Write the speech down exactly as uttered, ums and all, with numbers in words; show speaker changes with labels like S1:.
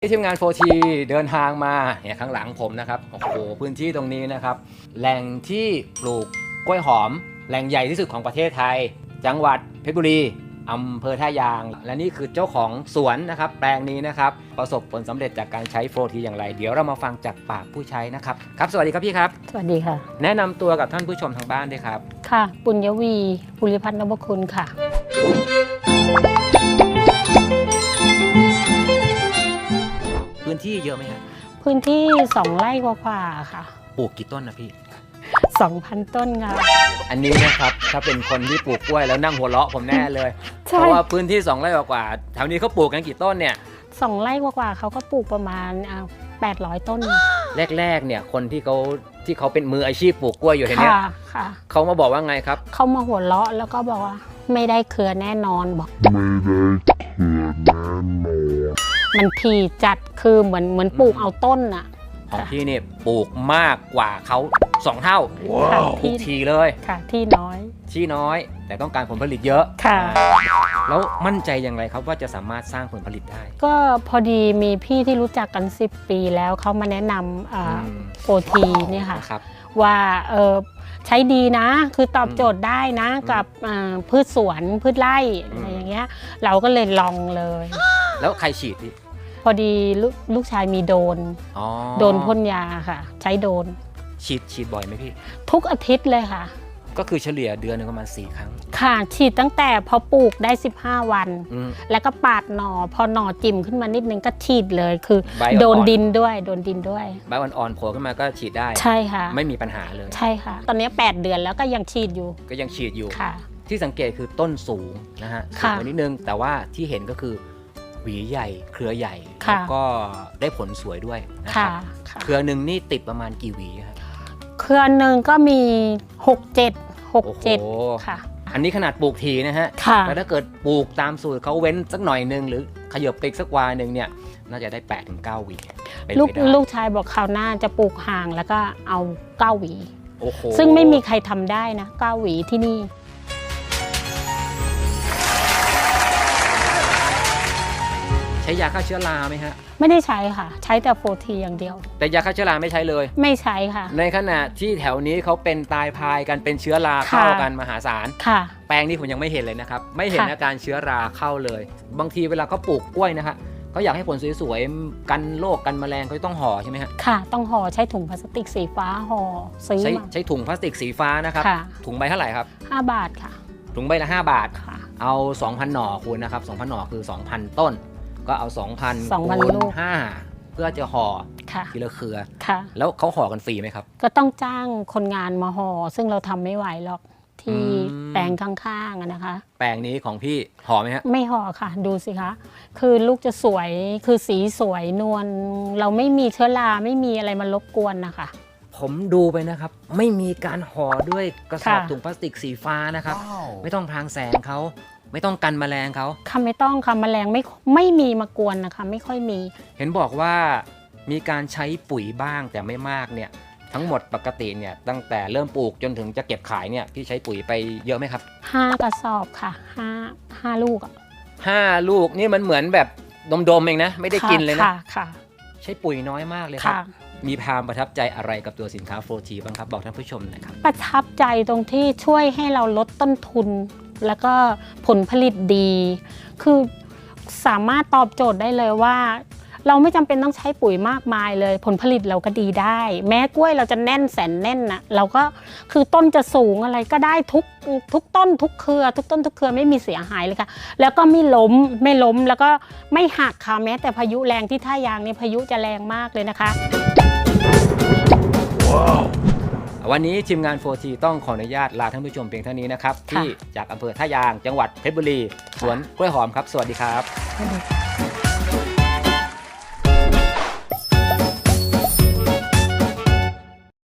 S1: ทีมงาน โฟร์ ที เดินทางมาเนี่ยข้างหลังผมนะครับโอ้โหพื้นที่ตรงนี้นะครับแหล่งที่ปลูกกล้วยหอมแหล่งใหญ่ที่สุดของประเทศไทยจังหวัดเพชรบุรีอำเภอท่ายางและนี่คือเจ้าของสวนนะครับแปลงนี้นะครับประสบผลสำเร็จจากการใช้ โฟร์ ที อย่างไรเดี๋ยวเรามาฟังจากปากผู้ใช้นะครับครับสวัสดีครับพี่ครับ
S2: สวัสดีค่ะ
S1: แนะนำตัวกับท่านผู้ชมทางบ้านด้วยครับ
S2: ค่ะปุญญวีภูริพัฒน์นพคุณค่ะ
S1: พื้นที่เยอะไหมครับ
S2: พื้นที่สองไร่กว่าๆค่ะ
S1: ปลูกกี่ต้นนะพี่
S2: สองพันต้นค่ะ
S1: อันนี้นะครับถ้าเป็นคนที่ปลูกกล้วยแล้วนั่งหัวเราะผมแน่เลยเพราะว่าพื้นที่สองไร่กว่าแถวนี้เขาปลูกกันกี่ต้นเนี่ย
S2: สองไร่กว่าๆเขาก็ปลูกประมาณแปดร้อยต้น
S1: แรกๆเนี่ยคนที่เขาที่เขาเป็นมืออาชีพปลูกกล้วยอยู่เห็นไหมเขามาบอกว่าไงครับ
S2: เขามาหัวเราะแล้วก็บอกว่าไม่ได้เครือแน่นอนบอกไม่ได้เครือแน่นอนมันถี่จัดคือเหมือนเหมือนปลูกเอาต้นอะ
S1: ของพี่เนี่ยปลูกมากกว่าเขาสองเท่าปลูกทีเลย
S2: ค่ะที่น้อย
S1: ที่น้อยแต่ต้องการผลผลิตเยอะ
S2: ค่ะ
S1: แล้วมั่นใจอย่างไรครับว่าจะสามารถสร้างผลผลิตได้
S2: ก็พอดีมีพี่ที่รู้จักกันสิบปีแล้วเขามาแนะนำโฟร์ ทีเนี่ยค่ะว่าเออใช้ดีนะคือตอบโจทย์ได้นะกับพืชสวนพืชไร่อะไรอย่างเงี้ยเราก็เลยลองเลย
S1: แล้วใครฉีดพี่
S2: พอดีลูกชายมีโดนโดนพ่นยาค่ะใช้โดน
S1: ฉีดฉีดบ่อยไหมพี่
S2: ทุกอาทิตย์เลยค่ะ
S1: ก็คือเฉลี่ยเดือนนึงประมาณสี่ครั้ง
S2: ค่ะฉีดตั้งแต่พอปลูกได้สิบห้าวันแล้วก็ปาดหน่อพอหน่อจิ้มขึ้นมานิดนึงก็ฉีดเลยคือโดนดินด้วยโดนดินด้วย
S1: ใบอ่อนๆโผล่ขึ้นมาก็ฉีดได้
S2: ใช่ค่ะ
S1: ไม่มีปัญหาเลย
S2: ใช่ค่ะตอนนี้แปดเดือนแล้วก็ยังฉีดอยู่
S1: ก็ยังฉีดอยู่
S2: ค่ะ
S1: ที่สังเกตคือต้นสูงนะฮะสูงนิดนึงแต่ว่าที่เห็นก็คือหวีใหญ่เครือใหญ่แล้วก็ได้ผลสวยด้วยนะครับเครือหนึ่งนี่ติดประมาณกี่หวีครับ
S2: เครือหนึ่งก็มีหกเจ็ดหกเจ็ดค่ะ
S1: อันนี้ขนาดปลูกทีนะฮะแต่ถ้าเกิดปลูกตามสูตรเขาเว้นสักหน่อยนึงหรือขยับไปสักวาหนึ่งเนี่ยน่าจะได้แปดถึงเก้าหวี
S2: ลูกลูกชายบอกคราวหน้าจะปลูกห่างแล้วก็เอาเก้าหวีซึ่งไม่มีใครทำได้นะเก้าหวีที่นี่
S1: ใช้ยาฆ่าเชื้อราไหมฮะ
S2: ไม่ได้ใช้ค่ะใช้แต่ โฟร์ ที อย่างเดียว
S1: แต่ยาฆ่าเชื้อราไม่ใช้เลย
S2: ไม่ใช้ค่ะ
S1: ในขณะที่แถวนี้เขาเป็นตายพายกันเป็นเชื้อราเข้ากันมหาศาล
S2: ค่ะ
S1: แปลงนี้ผมยังไม่เห็นเลยนะครับไม่เห็นอาการเชื้อราเข้าเลยบางทีเวลาเขาปลูกกล้วยนะฮะเขาอยากให้ผลสวยๆกันโรคกันแมลงเขาต้องห่อใช่ไหมฮะ
S2: ค่ะต้องห่อใช้ถุงพลาสติกสีฟ้าห่อซื้อ
S1: ใช้ใช้ถุงพลาสติกสีฟ้านะครับถุงใบเท่าไหร่ครับ
S2: ห้าบาทค่ะ
S1: ถุงใบละห้าบาทเอา สองพัน หน่อคูณนะครับสองพันหน่อคือ สองพัน ต้นก็เอา สองพัน คูณห้าเพื่อจะห่อทีละเครือแล้วเขาห่อกันฟรีไหมครับ
S2: ก็ต้องจ้างคนงานมาห่อซึ่งเราทำไม่ไหวหรอกที่แปลงข้างๆนะคะ
S1: แปลงนี้ของพี่ห่อไหมฮะ
S2: ไม่ห่อค่ะดูสิคะคือลูกจะสวยคือสีสวยนวลเราไม่มีเชื้อราไม่มีอะไรมารบกวนนะคะ
S1: ผมดูไปนะครับไม่มีการห่อด้วยกระสอบถุงพลาสติกสีฟ้านะครับไม่ต้องพรางแสงเขาไม่ต้องกันแมลงเขา
S2: ค่ะไม่ต้องค่ะแมลงไม่ไม่มีมากวนนะคะไม่ค่อยมี
S1: เห็นบอกว่ามีการใช้ปุ๋ยบ้างแต่ไม่มากเนี่ยทั้งหมดปกติเนี่ยตั้งแต่เริ่มปลูกจนถึงจะเก็บขายเนี่ยพี่ใช้ปุ๋ยไปเยอะไหมครับ
S2: ห้ากระสอบค่ะห้าห้าลูกอ่ะ
S1: ห้าลูกนี่มันเหมือนแบบดมๆเองนะไม่ได้กินเลยนะ
S2: ค่ะค่ะ
S1: ใช้ปุ๋ยน้อยมากเลยครับมีความประทับใจอะไรกับตัวสินค้า โฟร์ ที บ้างครับบอกท่านผู้ชมหน่อยครับ
S2: ประทับใจตรงที่ช่วยให้เราลดต้นทุนแล้วก็ผลผลิตดีคือสามารถตอบโจทย์ได้เลยว่าเราไม่จำเป็นต้องใช้ปุ๋ยมากมายเลยผลผลิตเราก็ดีได้แม้กล้วยเราจะแน่นแสนแน่นนะเราก็คือต้นจะสูงอะไรก็ได้ทุกทุกต้นทุกเครือทุกต้นทุกเครือไม่มีเสียหายเลยค่ะแล้วก็ไม่ล้มไม่ล้มแล้วก็ไม่หักค่ะแม้แต่พายุแรงที่ท่ายางนี่พายุจะแรงมากเลยนะคะ
S1: วันนี้ทีมงาน โฟร์ ที ต้องขออนุญาตลาท่านผู้ชมเพียงเท่านี้นะครับที่จากอำเภอท่ายางจังหวัดเพชรบุรีสวนกล้วยหอมครับสวัสดีครับ